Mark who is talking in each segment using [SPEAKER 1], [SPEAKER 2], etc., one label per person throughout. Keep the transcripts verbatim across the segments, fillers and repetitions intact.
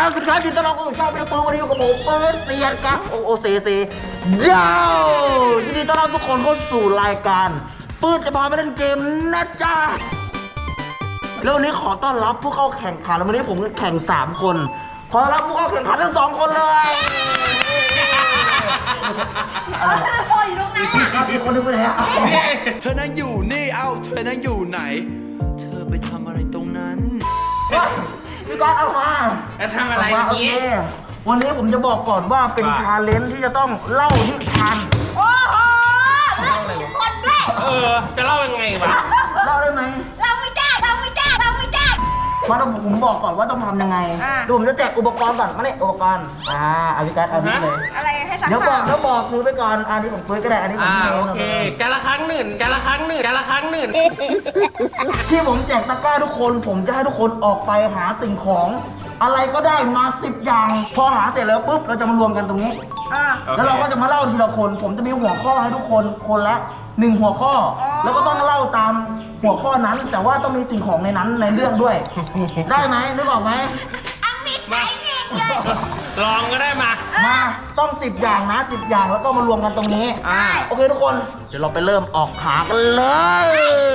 [SPEAKER 1] สวัสดีครับยินดีต้อนรับเข้าสู่ช่องเป็นปืนวันนี้อยู่กับผมเปิดเซียนกับโอโอเซเซเย้ยินดีต้อนรับทุกคนเข้าสู่รายการปืนจะพาไปเล่นเกมนะจ๊ะแล้ววันนี้ขอต้อนรับผู้เข้าแข่งขันวันนี้ผมแข่งสามคนขอรับผู้เข้าแข่งขันทั้งสองคนเลยโอ้ยลูกนะมีคนนึงไปไหน
[SPEAKER 2] เธอนั่งอยู่นี่เอ้าเธอนั่งอยู่ไหนเธอไปทำอะไรตรงนั้น
[SPEAKER 1] พี่ก๊อตเอามา
[SPEAKER 3] แล้วทำอะไรเมื่อกี้
[SPEAKER 1] วันนี้ผมจะบอกก่อนว่าเป็นชาเลนจ์ที่จะต้องเล่านิทานโอ้โหเล่ามีคนด้วย
[SPEAKER 3] เออจะเล่ายังไงวะ
[SPEAKER 1] เล่าได้ไหม
[SPEAKER 4] เล่าไม่ได้เล่าไม่ได้เล่าไม่ได้
[SPEAKER 1] มาต้องผมบอกก่อนว่าต้องทำยังไงดูผมจะแจกอุปกรณ์ก่อนมาเนี่ยอุปกรณ์อ่าอาวิกัสเอานี้เลย
[SPEAKER 4] อะไรให้สัก
[SPEAKER 1] เดี๋ยวบอกแล้วบอกคือไปก่อนอันนี้ผมเปิดก็ได้อันนี้ผม
[SPEAKER 3] อ่า
[SPEAKER 1] เอง
[SPEAKER 3] โอเคการละครั้งหนึ่งการละครั้งหนึ่งการละครั้งหนึ่ง
[SPEAKER 1] ที่ผมแจกตะกร้าทุกคนผมจะให้ทุกคนออกไปหาสิ่งของอะไรก็ได้มาสิบอย่างพอหาเสร็จแล้วปุ๊บเราจะมารวมกันตรงนี้แล้วเราก็จะมาเล่าทีละคนผมจะมีหัวข้อให้ทุกคนคนละหนึ่งหัวข้อแล้วก็ต้องเล่าตามหัวข้อนั้นแต่ว่าต้องมีสิ่งของในนั้นในเรื่องด้วยได้ไหมนึกออกไหม
[SPEAKER 4] เอามิดไปเนี่ย
[SPEAKER 3] ลองก็ได้มา
[SPEAKER 1] มาต้องสิบอย่างนะสิบอย่างแล้วก็มารวมกันตรงนี้โอเคทุกคนเดี๋ยวเราไปเริ่มออกหากันเลย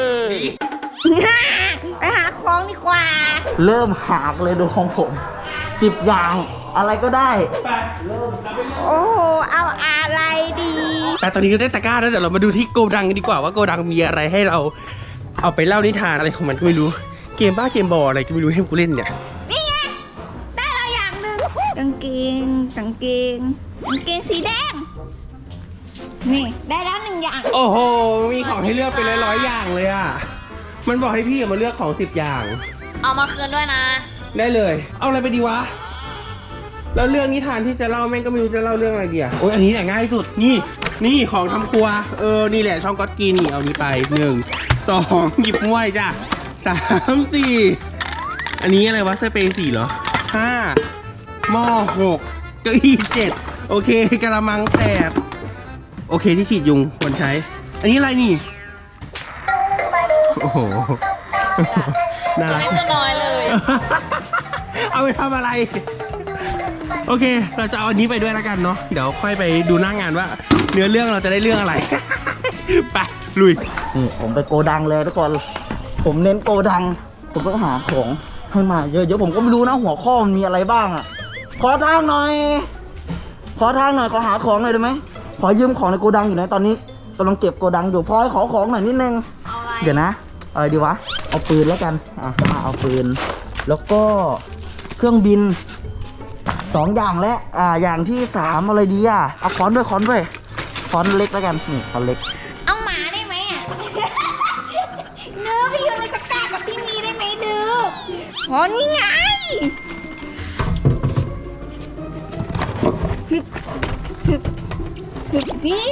[SPEAKER 4] ไปหาของดีกว่า
[SPEAKER 1] เริ่มหาเลยดูของผมสิบอย่างอะไรก็ได้
[SPEAKER 4] โอ้โหเอาอะไรดี
[SPEAKER 3] แต่ตอนนี้ก็ได้ตะกร้าแล้วเดี๋ยวเรามาดูที่โกดังกันดีกว่าว่าโกดังมีอะไรให้เราเอาไปเล่านิทานอะไรของมันก็ไม่รู้เกมบ้าเกมบอลอะไรก็ไม่รู้ให้กูเล่นเนี่ย
[SPEAKER 4] นี่ไงได้แล้วอย่างหนึ่งกางเกงกางเกงกางเกงสีแดงนี่ได้แล้วหนึ่งอย่าง
[SPEAKER 3] โอ้โหมีของให้เลือกไปเลยร้อยอย่างเลยอ่ะมันบอกให้พี่มาเลือกของสิบอย่าง
[SPEAKER 4] เอามาคืนด้วยนะ
[SPEAKER 3] ได้เลยเอาอะไรไปดีวะแล้วเรื่องนิทานที่จะเล่าแม่งก็ไม่รู้จะเล่าเรื่องอะไรดีอ่ะโอ้ยอันนี้แหละง่ายสุดนี่นี่ของทำครัวเออนี่แหละช่องก๊อตกินนี่เอานี้ไปหนึ่งสองหยิบม้วยจ้ะสามสี่อันนี้อะไรวะสเปรย์สี่เหรอห้าหม้อหกเก้าอี้เจ็ดโอเคกระมังแปดโอเคที่ฉีดยุงควรใช้อันนี้อะไรนี่โอ้โหน่ารัก
[SPEAKER 4] ไม่น้อยเลย
[SPEAKER 3] เอาไปทำอะไรโอเคเราจะเอาอันนี้ไปด้วยแล้วกันเนาะเดี๋ยวค่อยไปดูหน้างานว่าเนื้อเรื่องเราจะได้เรื่องอะไรไปลุย
[SPEAKER 1] นี่ผมไปโกดังเลยทุกคนผมเน้นโกดังผมต้องหาของให้มาเยอะๆผมก็ไม่รู้นะหัวข้อมันมีอะไรบ้างอ่ะขอทางหน่อยขอทางหน่อยขอหาของหน่อยได้ไหมขอยืมของในโกดังอยู่นะตอนนี้กำลังเก็บโกดังอยู่พอให้ขอของหน่อยนิดนึงเดี๋ยวนะอะไรดีวะเอาปืนแล้วกันอ่ะมาเอาปืนแล้วก็เครื่องบินสองอย่างและอ่าอย่างที่สามอะไรดีอ่ะเอาค้อนด้วยค้อนด้วยค้อนเล็กแล้วกันนี่ค้อนเล็ก
[SPEAKER 4] เอาหมาได้ไหมอ่ะเนื้อพี่อยู่ในตะกร้ากับพี่มีได้ไหมดูอ๋อนี่ไงนี่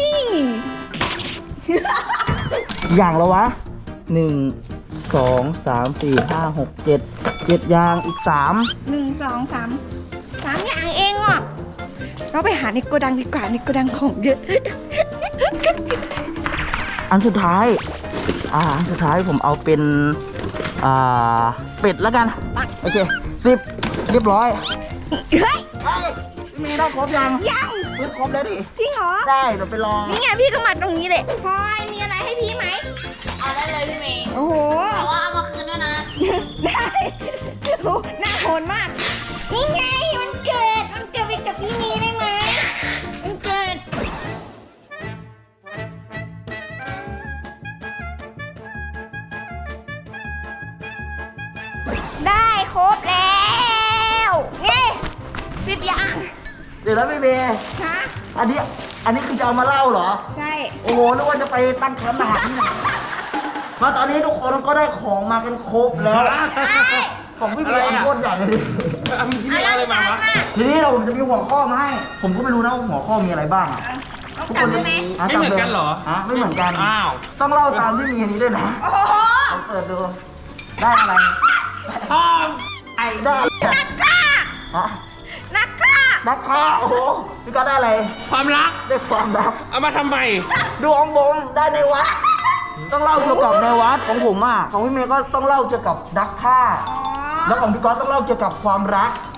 [SPEAKER 1] อย่างละวะหนึ่งสองสามสี่ห้าหกเจ็ดเจ็ดอย่างอีกสาม
[SPEAKER 4] หนึ่งสองสามสามอย่างเองอ่ะเราไปหาในโกดังดีกว่าในโกดังของเยอะ
[SPEAKER 1] อันสุดท้ายอ่าอันสุดท้ายผมเอาเป็นอ่าเป็ดแล้วกันโอเคสิบเรียบร้อย
[SPEAKER 4] เฮ้ย
[SPEAKER 1] มีได้ครบยัง
[SPEAKER 4] ยัง
[SPEAKER 1] ซื้อครบแล้วดิ
[SPEAKER 4] จริงเหรอ
[SPEAKER 1] ได้เดี๋ยวไปรอ
[SPEAKER 4] นี่ไงพี่ก็มาตรงนี้เลยพลอยมีอะไรให้พี่ไหม
[SPEAKER 5] เอาได้เลยพี่เมย์
[SPEAKER 4] โอ้โห
[SPEAKER 5] แต่ว่าเอามาคืนด้วยนะ
[SPEAKER 4] ได้โอ้หน้าโหดมากนี่ไงมันเกิดมันเกิดไปกับพี่มีได้ไหมมันเกิดได้ครบแล้วเย้สิบอย่าง
[SPEAKER 1] เดี๋ยวแล้วพี่เมย์
[SPEAKER 4] ฮะ
[SPEAKER 1] อันนี้อันนี้คือจะเอามาเล่าเหรอ
[SPEAKER 4] ใช่
[SPEAKER 1] โอ้โหนึกว่าจะไปตั้งแคมป์ทหารที่ไหนมาตอนนี้ทุกคนก็ได้ของมากันครบแล้วของพี่เมย์อันโคตรใหญ่เลย
[SPEAKER 3] พี่เมย์อะไรมาวะ
[SPEAKER 1] ทีนี้เราผมจะมีหัวข้อมาให้ผมก็ไม่รู้นะว่าหัวข้อมีอะไรบ้าง
[SPEAKER 4] ทุกคนได้ไหม
[SPEAKER 3] ไม่เหมือนกันเหรอ
[SPEAKER 1] ฮะไม่เหมือนกัน
[SPEAKER 3] อ้าว
[SPEAKER 1] ต้องเล่าตามที่มีอันนี้ด้วยนะผมเปิดดูได้อะไร
[SPEAKER 3] พ่อ
[SPEAKER 1] ไอ้ได้
[SPEAKER 4] นักฆ่า
[SPEAKER 1] ฮะ
[SPEAKER 4] นักฆ่า
[SPEAKER 1] นักฆ่าโอ้โหพี่ก็ได้อะไร
[SPEAKER 3] ความรัก
[SPEAKER 1] ได้ความรัก
[SPEAKER 3] เอามาทำไม
[SPEAKER 1] ดวงบงได้ในวัดต้องเล่าเกี่ยวกับในวัดของผมอ่ะของพี่เมย์ก็ต้องเล่าเกี่ยวกับนักฆ่าแล้วของพี่ก๊อตต้องเล่าเกี่ยวกับความรัก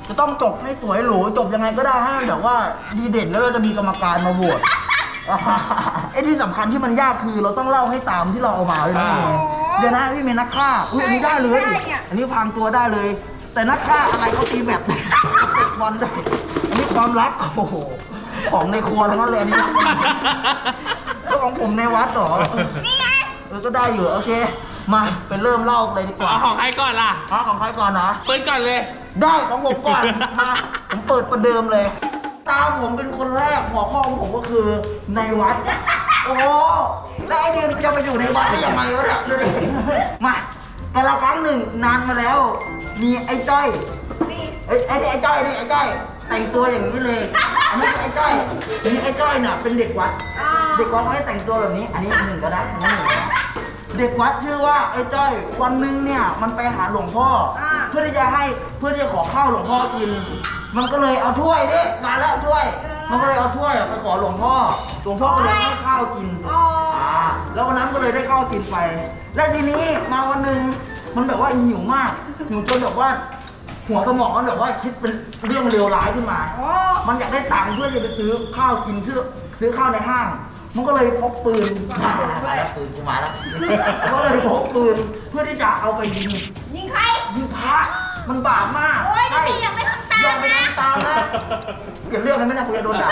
[SPEAKER 1] จะต้องจบให้สวยหรูจบยังไงก็ได้ให้มันแบบว่าดีเด่นแล้วเราจะมีกรรมการมาโหวต ไอ้ที่สำคัญที่มันยากคือเราต้องเล่าให้ตามที่เราเอามาเลยนะพี่เมย์เดี๋ยวนะพี่เมย์นักฆ่าอุ้ยอันนี้ได้เลยอันนี้พรางตัวได้เลย แต่นักฆ่าอะไรเขาตีแบบเตะบอลได้อันนี้ความลับโอ้โหของในครัวทั้งนั้นเลยอันนี้แล้วของผมในวัดเหรอนี่ไงเออก็ได้อยู่โอเคมาไปเริ่มเล่าเลยดีกว่า
[SPEAKER 3] เอาของใครก่อนล่ะ
[SPEAKER 1] อ๋อของใครก่อนนะ
[SPEAKER 3] เปิดก่อนเลย
[SPEAKER 1] ได้ของผมก่อน มาผมเปิดประเดิมเลย ตามผมเป็นคนแรกหัวข้อของผมก็คือในวัด โอ้โหแล้วไอ้เดือนจะไปอยู่ในวัดได้ยังไงวะเนี่ยดูดิมาแต่ละครั้งหนึ่งนานมาแล้ว มีไอ้จ้อยไอ้ไอ้นี่ไอ้จ้อยนี่ไอ้จ้อยแต่งตัวอย่างนี้เลย อันนี้ไอ้จ้อยนี่ไอ้จ้อยเนี่ยเป็นเด็กวัด เด็กวัดเขาให้แต่งตัวแบบนี้ อันนี้หนึ่งก็ได้อันนี้หนึ่งก็ได้เด็กวัดชื่อว่าไอ้จ้อยวันหนึงเนี่ยมันไปหาหลวงพ่ออเพื่อที่จะให้เพื่อที่จะขอข้าวหลวงพ่อกิน มันก็เลยเอาถ้วยดิมาแล้วถ้วย มันก็เลยเอาถ้วยไปขอหลวงพ่อหลวงพ่อก็เลยให้ข้าวกินอ่าแล้ววันนั้นก็เลยได้ข้าวกินไป และทีนี้มาวันหนึ่งมันแบบว่าหิวมากหิวจนแบบว่า หัวสมองมันแบบว่าคิดเป็นเรื่องเลวร้ายขึ้นมา มันอยากได้ตังค์เพื่อจะไปซื้อข้าวกินซื้อซื้อข้าวในห้าง มันก็เลยพกปืนมาแล้วปืนกูมาแล้วก็เลยพกปืนเพื่อที่จะเอาไปยิง
[SPEAKER 4] ยิงใคร
[SPEAKER 1] ยิงพระมันบาปมาก
[SPEAKER 4] โอ้ยนี่ยังไม่ทำตามนะ
[SPEAKER 1] ยังไม่ทำตามนะเกี่ยวเรื่องนั้นไม่น่ากูจะโดนด่า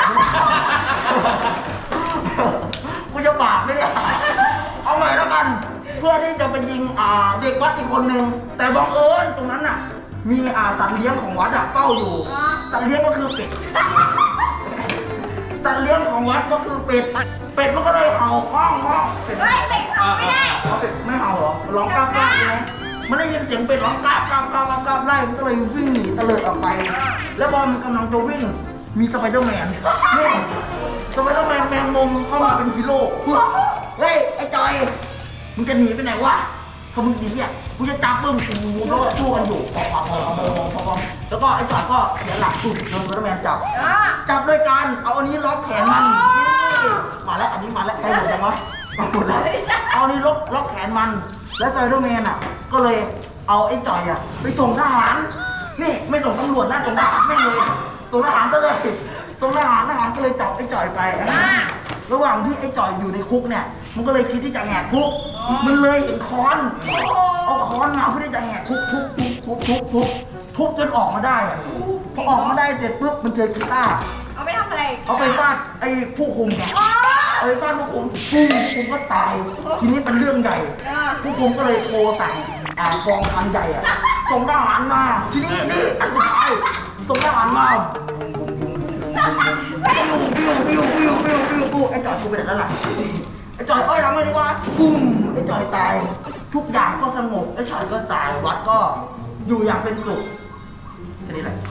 [SPEAKER 1] กูจะบาปไหมเนี่ยเอาใหม่แล้วกัน เพื่อที่จะไปยิงอ่าเด็กวัดอีกคนนึงแต่บังเอิญตรงนั้นน่ะมีอ่าสัตว์เลี้ยงของวัดอะเฝ้าอยู่สัตว์เลี้ยงก็คือเป็ดสัตว์เลี้ยงของวัดก็คือเป็ดเป็ดมันก็เลยเห่าห้องห้องเป็ด
[SPEAKER 4] เฮ้ยเป็ดเขาไม่ได้
[SPEAKER 1] เอาเป็ดไม่เห่าเหรอร้องกราบกราบใช่ไหมมันได้ยินเสียงเป็ดร้องกราบกราบกราบกราบกราบไล่มันก็เลยวิ่งหนีเตลิดออกไป แล้วพอมันกำลังจะวิ่งมีสไปเดอร์แมนนี่สไปเดอร์แมนแมงมุมเข้ามาเป็นฮีโร่เฮ้ยไอ้จอยมึงจะหนีไปไหนวะถ้ามึงหนีอ่ะกูจะจับมึงกูแล้วก็สู้กันอยู่พอพอพอพอพอพอแล้วก็ไอ้จอยก็เสียหลักปุ๊บโดนสไปเดอร์แมนจับจับด้วยการเอาอันนี้ล็อกแขนมันมาแล้วอันนี้มาแล้วไอ้หมดยังวะมาหมดแล้วเอาอันนี้ล็อกล็อกแขนมันแล้วสไปเดอร์แมนอ่ะก็เลยเอาไอ้จอยอ่ะไปส่งทหารนี่ไม่ส่งตำรวจนะส่งทหารไม่เลยส่งทหารซะเลยส่งทหารทหารก็เลยจับไอ้จอยไประหว่างที่ไอ้จอยอยู่ในคุกเนี่ยมันก็เลยคิดที่จะแหกคุกมันเลยเห็นค้อนเอาค้อนมาเพื่อที่จะแหกคุกทุบทุบทุบทุบทุบจนออกมาได้อะพอออกมาได้เสร็จปุ๊บมันเจอกีตาร์
[SPEAKER 4] เอาไปทำอะไร
[SPEAKER 1] เอาไปฟาดไอ้ผู้คุมไงเอาไปฟาดผู้คุมผู้คุมก็ตายทีนี้เป็นเรื่องใหญ่ผู้คุมก็เลยโทรสั่งอ่ากองพันใหญ่อะส่งทหารมาทีนี้นี่อันสุดท้ายส่งทหารมาบิ้วบิ้วบิ้วบิ้วบิ้วบิ้วบิ้วไอ้จอยกูเป็นอะไรล่ะไอ้จอยเอ้ยทำไงดีวะปุ้มไอ้จอยตายทุกอย่างก็สงบไอ้จอยก็ตายวัดก็อยู่อย่างเป็นสุขแค่นี้แหละ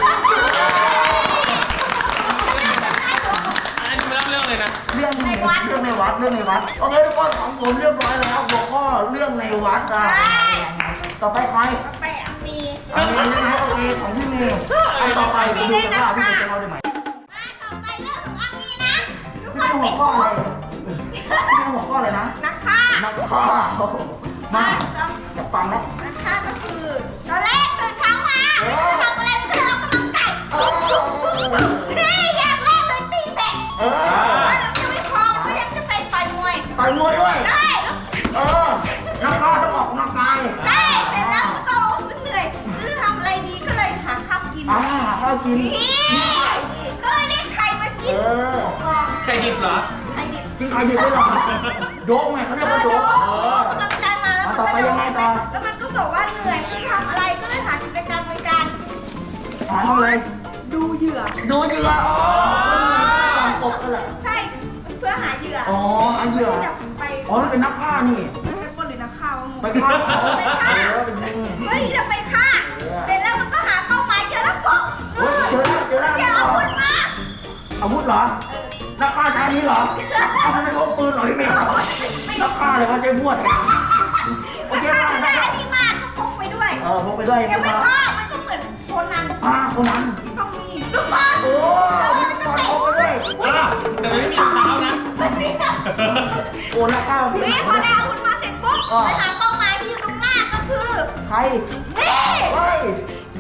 [SPEAKER 3] อันนี้เล่าเรื่องเลยนะ
[SPEAKER 1] เรื่องในวัดเรื่องในวัดเรื่องในวัดโอเคทุกคนของผมเรียบร้อยแล้วหัวข้อเรื่องในวัดอ่ะต่อไปใคร
[SPEAKER 4] ไปอามี
[SPEAKER 1] อันนี้ใช่ไหมโอเคของพี่เมย์อันต่อไปผมดูกันว่าพี่เมย์จะเล่าได้ไหม
[SPEAKER 4] ต่อไปเรื่องของอามีนะทุกค
[SPEAKER 1] ไม่
[SPEAKER 4] น
[SPEAKER 1] ใช่หั
[SPEAKER 4] เป็
[SPEAKER 1] วน ข้ออะไรไม่ใช่หัวข้ออะไรนะ
[SPEAKER 4] นักฆ่า
[SPEAKER 1] นักฆ่าโอ้โหมาจะฟังแล้ว
[SPEAKER 4] นักฆ่าก็คือตอนแรกตื่นเช้ามาไม่รู้จะทำอะไรก็เลยออกกำลังกาย
[SPEAKER 1] เออ
[SPEAKER 4] นี่อย่างแรกเลยตีแบด
[SPEAKER 1] เออ
[SPEAKER 4] แล้วยังไม่พอก็ยังจะไปต่อยมวย
[SPEAKER 1] ต่อยมวยด้วย
[SPEAKER 4] ได้
[SPEAKER 1] เออนักฆ่าต้องออกกำลังกาย
[SPEAKER 4] ได้เสร็จแล้วก็มันเหนื่อยไม่รู้ทำอะไรดีก็เลยหาข้าวกิน
[SPEAKER 1] อ่าข้าวกิน
[SPEAKER 4] นี่ก็เลยได้ไข่มากิน
[SPEAKER 1] เออ
[SPEAKER 3] ใครดิบเหรอ
[SPEAKER 4] ไข่ดิบ
[SPEAKER 1] กินไข่ดิบด้วยเหรอโดกไงเขาเรียกว่าโดก
[SPEAKER 4] เออกำลังใจมาแล้วมัน
[SPEAKER 1] ต่อ
[SPEAKER 4] ก็
[SPEAKER 1] ไปยังไงต่อ
[SPEAKER 4] แล้วมันก็บอกว่าเหนื่อยไม่รู้ทำอะไรก็เลยหากิจกรรมในการ
[SPEAKER 1] หาทำอะไร
[SPEAKER 4] ดูเหยื่อ
[SPEAKER 1] ดูเหยื่ออ๋อตามกบกันแหละ
[SPEAKER 4] ใช่เพื่อหาเหยื่อ
[SPEAKER 1] อ๋อหาเหยื่อ
[SPEAKER 4] จะไป
[SPEAKER 1] อ๋อนั่นเป็นนักฆ่านี่
[SPEAKER 4] ไปปล้นหรือนักข่าว
[SPEAKER 1] ไปฆ่าเขา
[SPEAKER 4] ไปฆ่า
[SPEAKER 1] เออเป็นยิง
[SPEAKER 4] เพื่อที่จะไปฆ่าเสร็จแล้วมันก็หาเป้าหมายเจอแล้วปุ๊บ
[SPEAKER 1] เฮ้ยเจอแล้วเจอแล้ว
[SPEAKER 4] เจออาวุธมา
[SPEAKER 1] อาวุธเหรอ นักฆ่าใช้อันนี้เหรอเอามันเป็นพกปืนเหรอพี่เมย์นักฆ่าเลยว่าใช้พวดโอเค
[SPEAKER 4] ถ้า
[SPEAKER 1] ได้
[SPEAKER 4] จะ
[SPEAKER 1] ได้
[SPEAKER 4] ได้อันนี้มาก็พกไปด้วย
[SPEAKER 1] เออพกไปด้วย
[SPEAKER 4] ยังไม่
[SPEAKER 1] มา
[SPEAKER 4] พอมันก็เหมือนโคนัน
[SPEAKER 1] อ่าคนนั้น
[SPEAKER 4] ต้องมีลูกบอล
[SPEAKER 1] โอ้มีตอนพกไปด้วย
[SPEAKER 3] แต่ไม่มีเท้านะ
[SPEAKER 1] โอ้นักฆ่าพี่
[SPEAKER 4] นี่พอได้อาวุธมาเสร็จปุ๊บไปหาเป้าหมายที่อยู่ตรงหน้าก็คือ
[SPEAKER 1] ใคร
[SPEAKER 4] นี่
[SPEAKER 1] เฮ้ย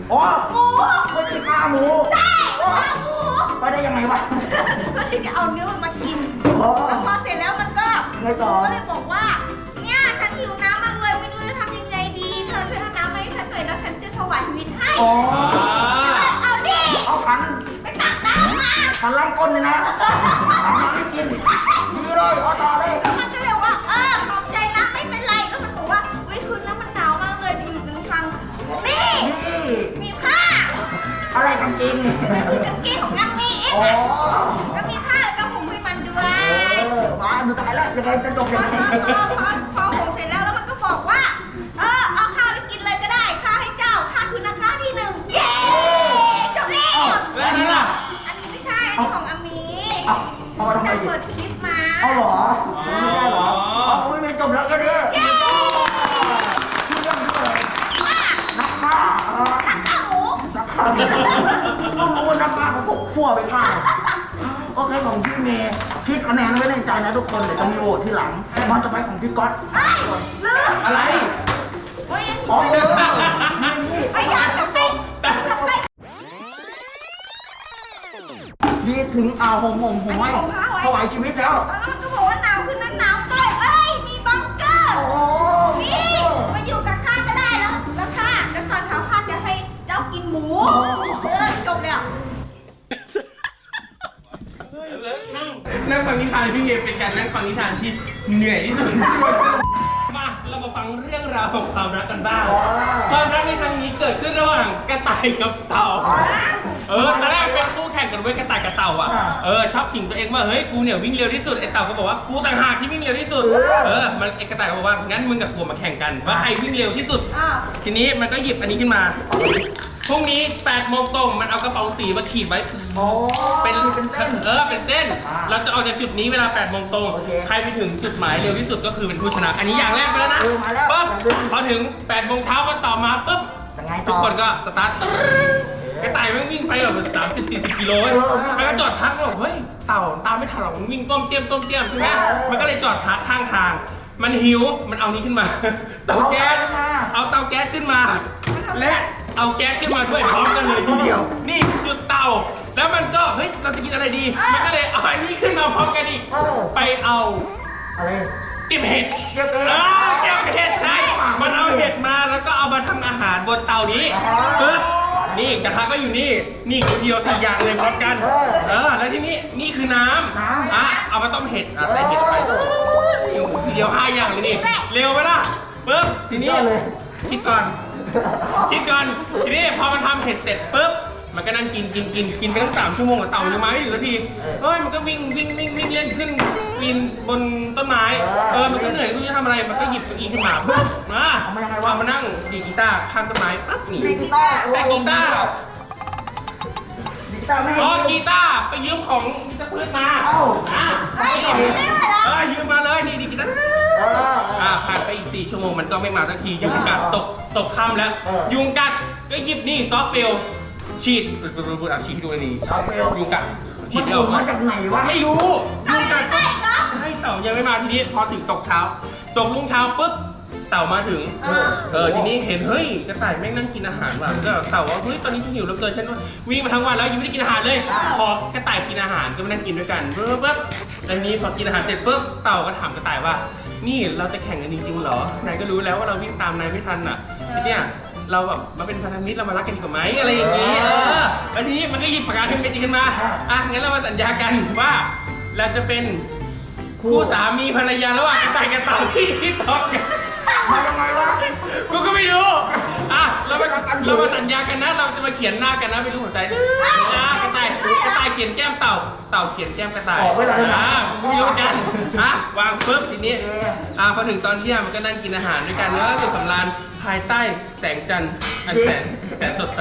[SPEAKER 1] อ๋อ
[SPEAKER 4] หมู
[SPEAKER 1] ไม่ใช่ฆ่าหมู
[SPEAKER 4] ใช่ฆ่าหมู
[SPEAKER 1] ไปได้ยังไงวะ
[SPEAKER 4] ก็ที่จะเอาเนื้อมันมากิน
[SPEAKER 1] อ๋อ
[SPEAKER 4] แล้วพอเสร็จแล้วมันก็
[SPEAKER 1] ไงต่อ
[SPEAKER 4] ก็เลยบอกว่า เนี่ยฉันหิวน้ำมากเลยไม่รู้จะทำยังไงดี เธอช่วยเอาน้ำมาให้ฉันหน่อยแล้วฉันจะถวายชีวิตให้
[SPEAKER 1] อ๋อ
[SPEAKER 4] เอาดิ
[SPEAKER 1] เอาขัน
[SPEAKER 4] ไปตักน้ำมา
[SPEAKER 1] ขันล้างก้นเลยนะทำมาให้กินดีเลยเอาต่อเลย
[SPEAKER 4] แล้วมันก็เลยว่า เออขอบใจนะไม่เป็นไร แล้วมันบอกว่าเฮ้ยคืนนั้นมันหนาวมากเลยอยู่ตรงทางนี่
[SPEAKER 1] นี่
[SPEAKER 4] มีผ้า
[SPEAKER 1] อะไรกางเกงนี่
[SPEAKER 4] คือกางเกงของยังมีเอง
[SPEAKER 1] อ๋อ
[SPEAKER 4] อะก็มีผ้าแล้วก็ผมให้มันด้วย
[SPEAKER 1] เออมาสุดท้ายแล้วยังไงจะจบ
[SPEAKER 4] พ
[SPEAKER 1] ยัง
[SPEAKER 4] อ
[SPEAKER 1] ไง
[SPEAKER 4] พอพอพอผมเสร็จแล้วแล้วมันก็บอกว่า เออเอาข้าวไปกินเลยก็ได้ข้าให้เจ้าข้าคือนักฆ่าที่หนึ่งเย้จบแล้ว
[SPEAKER 3] แล้วนั่นล่ะ
[SPEAKER 4] อันนี้ไม่ใช่ อันนี้ของอามี
[SPEAKER 1] เอาเอามาทำไม
[SPEAKER 4] จะ
[SPEAKER 1] ดิ
[SPEAKER 4] เปิดคลิปมา
[SPEAKER 1] เอาเหรอไม่ได้เหรอเอาไม่ไม่จบแล้วแค่นี้
[SPEAKER 4] เย้
[SPEAKER 1] ชื่อเรื่องชื่ออะไร
[SPEAKER 4] ว่า
[SPEAKER 1] นักฆ่าเออ
[SPEAKER 4] นักฆ่าหมู
[SPEAKER 1] นักฆ่าต้องรู้ว่านักฆ่าเขาพกขั้วไปฆ่าโอเคของพี่เมย์คิดคะแนนไว้ในใจนะทุกคนเดี๋ยวจะมีโหวตที่หลังมันจะไปของพี่ก๊อต
[SPEAKER 4] เอ้ยลืม
[SPEAKER 3] อะไร
[SPEAKER 4] โอ้ย
[SPEAKER 1] อ๋อเออไม่มี
[SPEAKER 4] ไปย้อนกลับไปกลับไป
[SPEAKER 1] ดีถึงอ่าผมผมผมให้ถวายชีวิตแล้ว
[SPEAKER 4] แล้วมันก็บอกว่าหนาวขึ้นนั้นหนาวก็เลยเอ้ยมีบังเกอร์
[SPEAKER 1] โอ้โห
[SPEAKER 4] นี่มาอยู่กับข้าก็ได้แล้ว แล้วข้าแล้วตอนเช้าข้าจะให้เจ้ากินหมูเออจบแล้ว
[SPEAKER 3] นั่งฟังนิทานพี่เมย์เป็นการนั่งฟังนิทานที่เหนื่อยที่สุด มาเรามาฟังเรื่องราวของความรักกันบ้าง ความรักในครั้งนี้เกิดขึ้นระหว่างกระต่ายกับเต่า เออตอนแรกเป็นคู่แข่งกันเว้ยกระต่ายกับเต่าอ่ะ เออชอบขิงตัวเองว่าเฮ้ยกูเนี่ยวิ่งเร็วที่สุดไอ้เต่าก็บอกว่ากูต่างหากที่วิ่งเร็วที่สุด เออมันไอ้กระต่ายก็บอกว่างั้นมึงกับกูมาแข่งกันว่าใครวิ่งเร็วที่สุด
[SPEAKER 4] อ้าว
[SPEAKER 3] ทีนี้มันก็หยิบอันนี้ขึ้นมา พรุ่งนี้แปดโมงตรงมันเอากระป๋องสีมาขีดไว้
[SPEAKER 1] โอ้
[SPEAKER 3] เป็น
[SPEAKER 1] เป็นเส้น
[SPEAKER 3] เออเป็นเส้น
[SPEAKER 1] อ่า
[SPEAKER 3] เราจะออกจากจุดนี้เวลาแปดโมงตรง
[SPEAKER 1] โอเค
[SPEAKER 3] ใครไปถึงจุดหมายเร็วที่สุดก็คือเป็นผู้ชนะ อันนี้อย่างแรกไปแล้วนะ
[SPEAKER 1] เออมาแล้ว
[SPEAKER 3] ปุ๊บ
[SPEAKER 1] อย่างหนึ่ง
[SPEAKER 3] พอถึงแปดโมงเช้าวันต่อมาปุ๊บ
[SPEAKER 1] ยังไง
[SPEAKER 3] ทุ
[SPEAKER 1] ต่
[SPEAKER 3] ก
[SPEAKER 1] อ
[SPEAKER 3] คนก็สตาร์ทกระต่ายมันวิ่งไปแบบสามสิบสี่สิบกิโล
[SPEAKER 1] เออ
[SPEAKER 3] มันก็จอดพักบอกเฮ้ยเต่าตามไม่ทันหรอกมันวิ่งต้มเตี้ยมต้มเตี้ยมใช่ไหม
[SPEAKER 1] เออ
[SPEAKER 3] มันก็เลยจอดพักข้างทาง มันหิวมันเอานี้ขึ้นมา เตาแก๊ส
[SPEAKER 1] เอาเตาแก๊สขึ้นมา
[SPEAKER 3] เอาเตาแก๊สขึ้นมา และเอาแก๊สขึ้นมาด้วยพร้อมกันเลยทีเดียว นี่จุดเตา แล้วมันก็เฮ้ยเราจะกินอะไรดี มันก็เลยเอาอันนี้ขึ้นมาพร้อมกันอีก
[SPEAKER 1] เออ
[SPEAKER 3] ไปเอา
[SPEAKER 1] อะไร
[SPEAKER 3] เก็บเห็ด
[SPEAKER 1] เก็บเห็ด
[SPEAKER 3] ออเก็บเห็ดใช่มันเอาเห็ดมาแล้วก็เอามาทำอาหารบนเตานี้
[SPEAKER 1] อ๋อ
[SPEAKER 3] ปึ๊บนี่กระทะก็อยู่นี่ นี่ทีเดียวสี่อย่างเลยพร้อมกัน
[SPEAKER 1] เออ
[SPEAKER 3] เออ แล้วที่นี่นี่คือน้ำ
[SPEAKER 1] น้ำ
[SPEAKER 3] อ่ะเอามาต้มเห็ดอ่ะใส่เห็ดไป
[SPEAKER 1] เออ
[SPEAKER 3] ทีเดียวห้าอย่างเลยนี่ เร็วไหมล่ะปึ๊บทีนี้
[SPEAKER 1] สุดยอดเลย
[SPEAKER 3] คิดก่อน คิดก่อน ทีนี้พอมันทำเห็ดเสร็จปุ๊บ มันก็นั่งกินกินกินกินไปตั้งสามชั่วโมงกับเต่ายังมาไม่ถึงนาที เฮ้ยมันก็วิ่งวิ่งวิ่งวิ่งเล่นขึ้นปีนบนต้นไม้ เออ มันก็เหนื่อยไม่รู้จะทำอะไร มันก็หยิบเก้าอี้ขึ้นมาปุ๊บมา
[SPEAKER 1] เอามายังไงวะ
[SPEAKER 3] เอามานั่งดีดกีตาร์ข้างต้นไม้ปั๊บนี่
[SPEAKER 1] ดีกีตาร์
[SPEAKER 3] แต่กีตาร์
[SPEAKER 1] ดีกีตาร์ไม่ให้
[SPEAKER 3] อ๋อกีตาร์ไปยืมของกีตาร์พืชมา
[SPEAKER 1] เอ้า
[SPEAKER 3] อ่ะ
[SPEAKER 4] เฮ้ยยืมได้ด้วยเหรอ
[SPEAKER 3] เออยืมมาเลยนี่ดีกีตาร์
[SPEAKER 1] เออ
[SPEAKER 3] อ่าผ่านไปอีกสี่ชั่วโมงมันก็ไม่มาสักทียุงกัดตกตกค่ำแล้ว
[SPEAKER 1] เออ
[SPEAKER 3] ยุงกัดก็หยิบนี่ซอฟต์เฟลฉีดเอาฉีดให้ดูอันนี้
[SPEAKER 1] ซอฟต์เฟล
[SPEAKER 3] ยุงกัดฉี
[SPEAKER 1] มั
[SPEAKER 3] ด
[SPEAKER 1] น
[SPEAKER 3] ไม่
[SPEAKER 1] อ
[SPEAKER 3] อ
[SPEAKER 1] อ
[SPEAKER 3] อก ก
[SPEAKER 1] มาจากไหนวะ
[SPEAKER 3] ไม่รู้ยุงกัด
[SPEAKER 4] ได้เหรอ
[SPEAKER 3] ให้เต่ายังไม่มาทีนี้พอถึงตกเช้า ตกรุ่งเช้าปุ๊บเต่ามาถึง
[SPEAKER 4] เออ
[SPEAKER 3] เออทีนี้เห็นเฮ้ยกระต่ายแม่งนั่งกินอาหารว่ะก็เต่าว่าเฮ้ยตอนนี้ฉันหิวเหลือเกินฉันวิ่งมาทั้งวันแล้วยังไม่ได้กินอาหารเลย พอกระต่ายกินอาหารก็มานั่งกินด้วยกันปุ๊บปุ๊บแล้วทีนี้พอกินอาหารเสร็จปุ๊บเต่าก็ถามกระต่ายว่า นี่เราจะแข่งกันจริงๆเหรอนายก็รู้แล้วว่าเราวิ่งตามนายไม่ทันอ่ะทีเนี้ยเราแบบมาเป็นพันธมิตรเรามารักกันดีกว่าไหมอะไรอย่างงี้เออแล้วทีนี้มันก็หยิบปากกาขึ้นเป็นจริงขึ้นมาอ่ะงั้นเรามาสัญญากันว่าเราจะเป็นคู่สามีภรรยาระหว่างกระต่ายกับเต่าที่ที่ตอกกัน
[SPEAKER 1] มายังไงวะ
[SPEAKER 3] กูก็ไม่รู้ อ่ะ เรามาเรามาสัญญากันนะ เราจะมาเขียนหน้ากันนะไม่รู้หัวใจนะอ่ะกระต่าย กระต่ายเขียนแก้มเต่า เต่าเขียนแก้มกระต่าย
[SPEAKER 1] ออกไว้เลยนะ
[SPEAKER 3] อ่ะไม่รู้กันอ่ะวางปุ๊บทีนี้ อ่ะพอถึงตอนเที่ยงมันก็นั่งกินอาหารด้วยกันแล้วก็สุขสำราญภายใต้แสงจันทร์อันแสนแสนสดใส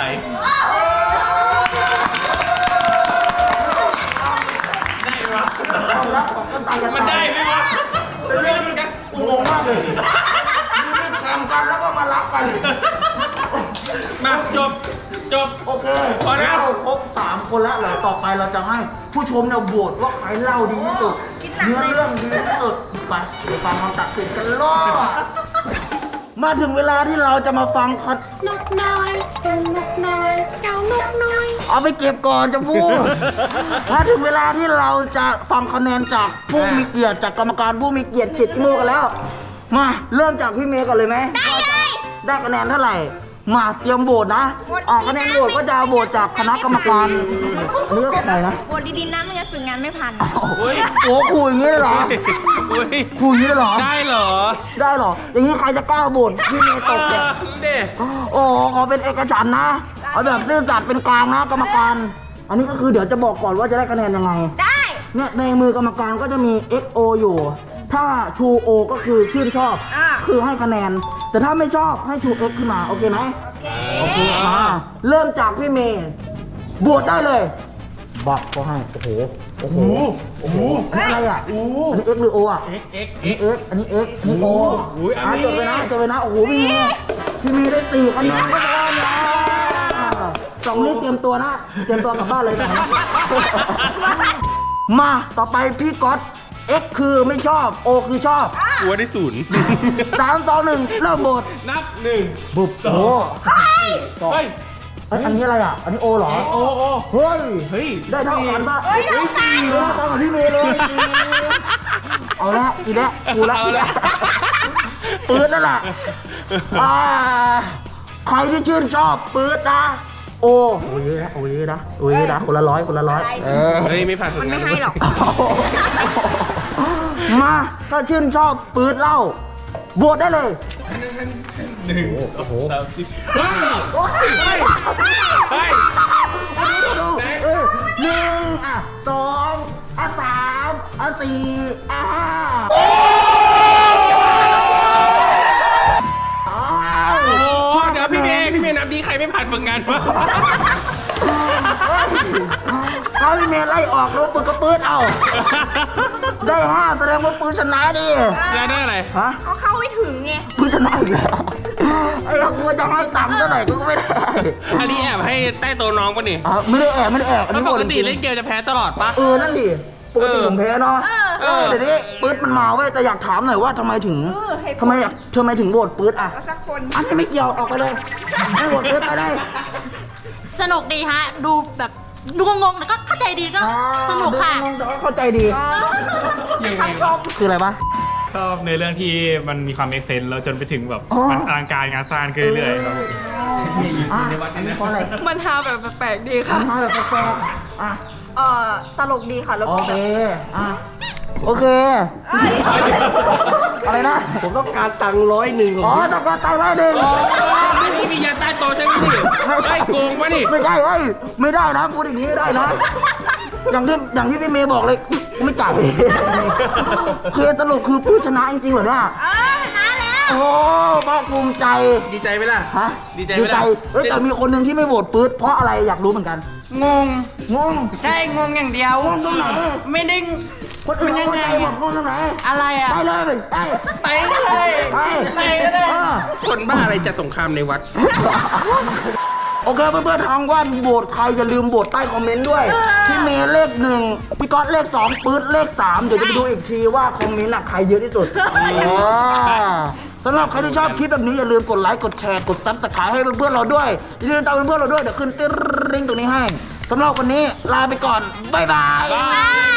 [SPEAKER 3] ได้ไหมวะ
[SPEAKER 1] ความรักของคนตายกัน
[SPEAKER 3] มันได้ไหมวะ
[SPEAKER 1] เป็นเรื่องที่กูงงมากเลยมีแข่งกันแล้วก็มารักกัน
[SPEAKER 3] มาจบ จบ
[SPEAKER 1] โอเค
[SPEAKER 3] พอแล้ว
[SPEAKER 1] เราครบสามคนแล้วเหรอต่อไปเราจะให้ผู้ชมเนี่ยโหวตว่าใครเล่าดีที่สุด
[SPEAKER 4] คิดหนัก
[SPEAKER 1] เนื้อ
[SPEAKER 4] เลย
[SPEAKER 1] เรื่องดีที่สุดไปไปฟังคำตัดสินกันเลยมาถึงเวลาที่เราจะมาฟังคัด
[SPEAKER 5] นกน้อยตัว
[SPEAKER 1] เอาไปเก็บก่อนจะพูด ถ้าถึงเวลาที่เราจะฟังคะแนนจากผู้มีเกียรติจากกรรมการผู้มีเกียรติเขียดขี้มูกกันแล้ว มาเริ่มจากพี่เมย์ก่อนเลยไหม
[SPEAKER 4] ได้เลย
[SPEAKER 1] ได้คะแนนเท่าไหร่ มาเตรียมโหวตนะ ออกคะแนนโหวตก็จะโหวตจากคณะกรรมการอันนี้ก็ใครนะ
[SPEAKER 4] โหวตดีๆนะไม่งั้นฝึกงานไม่ผ่าน
[SPEAKER 3] โอ้ย
[SPEAKER 1] โอ้คุยอย่างนี้เลยเหรอ
[SPEAKER 3] โอ้ย
[SPEAKER 1] คุยอย่างนี้เลยเหรอ
[SPEAKER 3] ได้เหรอ
[SPEAKER 1] ได้เหรอ อย่างนี้ใครจะกล้าโหวตพี่เมย์ตกเนี่ย
[SPEAKER 3] เด้
[SPEAKER 1] โอ้ขอเป็นเอกฉันท์นะ เอาแบบซื่อสัตย์เป็นกลางนะกรรมการ อันนี้ก็คือเดี๋ยวจะบอกก่อนว่าจะได้คะแนนยังไง
[SPEAKER 4] ได้
[SPEAKER 1] เนี่ยในมือกรรมการก็จะมี เอ็กซ์ โอ อยู่ ถ้า True O ก็คือชื่นชอบ
[SPEAKER 4] อ่า
[SPEAKER 1] คือให้คะแนน แต่ถ้าไม่ชอบให้ True X ขึ้นมา โอเคไหม
[SPEAKER 4] โอเค
[SPEAKER 1] โอเคมาเริ่มจากพี่เมย์บวชได้เลยบักก็ให้ โอ้โห โอ้โห โอ้โหอันนี้อะไรอ่ะ อันนี้ X หรือ O อ่ะ
[SPEAKER 3] เอ็กเอ็ก
[SPEAKER 1] อันนี้ X อันนี้ X อันนี้ O
[SPEAKER 3] โอ้ยอันนี้
[SPEAKER 1] อ่ะจดไปนะจดไปนะ โอ้โห พี่เมย์พี่เมย์ได้สี่คะแนนก็ได้นะสองนี้เตรียมตัวนะ เตรียมตัวกลับบ้านเลยนะ มาต่อไปพี่ก๊อต X คือไม่ชอบ O คือชอบ
[SPEAKER 3] หัวได้ศูนย์
[SPEAKER 1] สามสองหนึ่งเริ่มบท
[SPEAKER 3] นับหนึ่ง
[SPEAKER 1] บุบโอ้
[SPEAKER 3] เฮ้ย
[SPEAKER 1] เอ้ยอันนี้อะไรอ่ะ อันนี้ O เหรอ
[SPEAKER 3] โอ้โอ้
[SPEAKER 1] เฮ้ย
[SPEAKER 3] เฮ้ย
[SPEAKER 1] ได้เท่ากันปะ
[SPEAKER 4] เฮ้ยเท่ากัน
[SPEAKER 1] เท่ากันกับพี่เมย์เลย เอาละอีกแล้วกูละอีกแล้วปืดนั่นแหละอ่าใครที่ชื่นชอบปืดนะ โอโอ้ยนะโอ้ยนะโอ้ยนะคนละร้อยคนละร้อยเออ
[SPEAKER 3] เฮ้ย ไม่ผ่านฝึ
[SPEAKER 4] มั
[SPEAKER 3] ก
[SPEAKER 4] น
[SPEAKER 3] งา
[SPEAKER 4] ไม่
[SPEAKER 3] น
[SPEAKER 4] ให้หรอก
[SPEAKER 1] มาถ้าชื่นชอบปืดเล่าโหวตได้เลย
[SPEAKER 3] หนึ่งสองสามสี่เฮ้ยเฮ้ย
[SPEAKER 1] ดูเออหนึ่งอ่ะสองอ่ะสามอ่ะสี่อ่ะห้า
[SPEAKER 3] โอ้เดี๋ยวพี่เมย์พี่เมย์นับดีใครไม่ผ่านฝึกงานวะ
[SPEAKER 1] ถ้าพี่เมย์ไล่ออกแล้วปืนก็ปืนเอา ได้ห้าแสดงว่าปืนชนะดิ
[SPEAKER 3] แล้วได้อะไร
[SPEAKER 1] ฮะ
[SPEAKER 4] เขาเข้าไม่ถึงไง
[SPEAKER 1] ปืนชนะอีกแล้วไอ้เรากลัวจะให้ต่ำซะหน่อยก็ไม่ได้
[SPEAKER 3] อันนี้แอบให้ใต้โต๊ะน้องป่ะนี่
[SPEAKER 1] อ่ะไม่ได้แอบไม่ได้แอบอัน
[SPEAKER 3] แล้ว
[SPEAKER 1] นี้
[SPEAKER 3] ป
[SPEAKER 1] โหว
[SPEAKER 3] ก
[SPEAKER 1] ต
[SPEAKER 3] ติ
[SPEAKER 1] จริง
[SPEAKER 3] เล่นเกมจะแพ้ตลอดปะ
[SPEAKER 1] เออนั่นดิปกติผมแพ้เนาะ
[SPEAKER 3] เออ
[SPEAKER 1] เดี๋ยวนี้ปืนมันมาเว้ยแต่อยากถามหน่อยว่าทำไมถึง
[SPEAKER 4] เออเหตุผล
[SPEAKER 1] ทำไมอยากทำไมถึงโหวตปืนอ่ะ
[SPEAKER 4] เอาสักคน
[SPEAKER 1] อันนี้ไม่เกี่ยวออกไปเลยให้โหวตปืนไปได้
[SPEAKER 5] สนุกดีฮะ ดูแบบดูงงๆแต่ก็เข้าใจดีก็สนุกค่ะ
[SPEAKER 1] งงแต่ว่าเข้าใจดี
[SPEAKER 3] ยังไง
[SPEAKER 4] คำชม
[SPEAKER 1] คืออะไรปะ
[SPEAKER 6] ชอบในเรื่องที่มันมีความเอ็กเซนต์แล้วจนไปถึงแบบ
[SPEAKER 1] อ๋อ
[SPEAKER 6] มันอลังการงานสร้างขึ้นเรื่อยๆครับผม
[SPEAKER 1] อ่ะอันนี้เพราะอะไร
[SPEAKER 7] มันฮาแบบแปลกๆดีค่ะ
[SPEAKER 1] ทำให้แบบแปลกๆอ่ะ
[SPEAKER 7] เอ่อ ตลกดีค่ะ แล้ว
[SPEAKER 1] โอ
[SPEAKER 7] ก็
[SPEAKER 1] เค อ่ะ โอเค อะไรนะ
[SPEAKER 3] ผมต้องการตังค์ร้อยหนึ่ง
[SPEAKER 1] อ๋อต้องการตังค์ร้อยหนึ่ง
[SPEAKER 3] ไม่มีมียันใต้โต๊ะใช่ไหมพี่ไอ้โกงปะนี่
[SPEAKER 1] ไม่ได้เว้ยไม่ได้นะ พูดอย่างนี้ไม่ได้นะ อย่างที่อย่างที่พี่เมย์บอกเลยไม่จ่ายคือสรุปคือผู้ชนะจริงๆเหรอเนี่ย
[SPEAKER 4] เออชนะแล้ว
[SPEAKER 1] โอ้ภาคภูมิใจ
[SPEAKER 3] ดีใจไหมล่ะ
[SPEAKER 1] ฮะ
[SPEAKER 3] ดีใจไหม
[SPEAKER 1] ดี
[SPEAKER 3] ล่ะ
[SPEAKER 1] ใจเฮ้ยแต่มีคนหนึ่งที่ไม่โหวตปื๊ดเพราะอะไรอยากรู้เหมือนกัน
[SPEAKER 8] งง
[SPEAKER 1] งง
[SPEAKER 8] ใช่ งงอย่างเดียว
[SPEAKER 1] งงตรงไหน
[SPEAKER 8] ไม่ได้
[SPEAKER 1] คนอื่น
[SPEAKER 8] มันยัง
[SPEAKER 1] เข้า
[SPEAKER 8] ไง
[SPEAKER 1] ใจหมดงงตรงไหน
[SPEAKER 8] อะไรอ่ะ
[SPEAKER 1] ไปเลยไป
[SPEAKER 8] ไปก็เลย
[SPEAKER 1] ไป
[SPEAKER 8] ไปก็เลย
[SPEAKER 1] เออ
[SPEAKER 3] คนบ้าอะไรจะสงครามในวัด
[SPEAKER 1] โอเคเพื่อนๆทางว่านโหวตใครอย่าลืมโหวตใต้คอมเมนต์ด้วย พี่เมย์เลขหนึ่งพี่ก๊อตเลขสองปื๊ดเลขสามเดี๋ยวจะไปดูอีกทีว่าคอมเมนต์อะใครเยอะที่สุดอ่าสำหรับใครที่ชอบคลิปแบบนี้อย่าลืมกดไลค์กดแชร์กดซับสไครต์ให้เพื่อนๆเราด้วยอย่าลืมตามเพื่อนๆเราด้วยเดี๋ยวขึ้นติ๊งตรงนี้ให้สำหรับวันนี้ลาไปก่อนบ๊ายบาย
[SPEAKER 4] บาย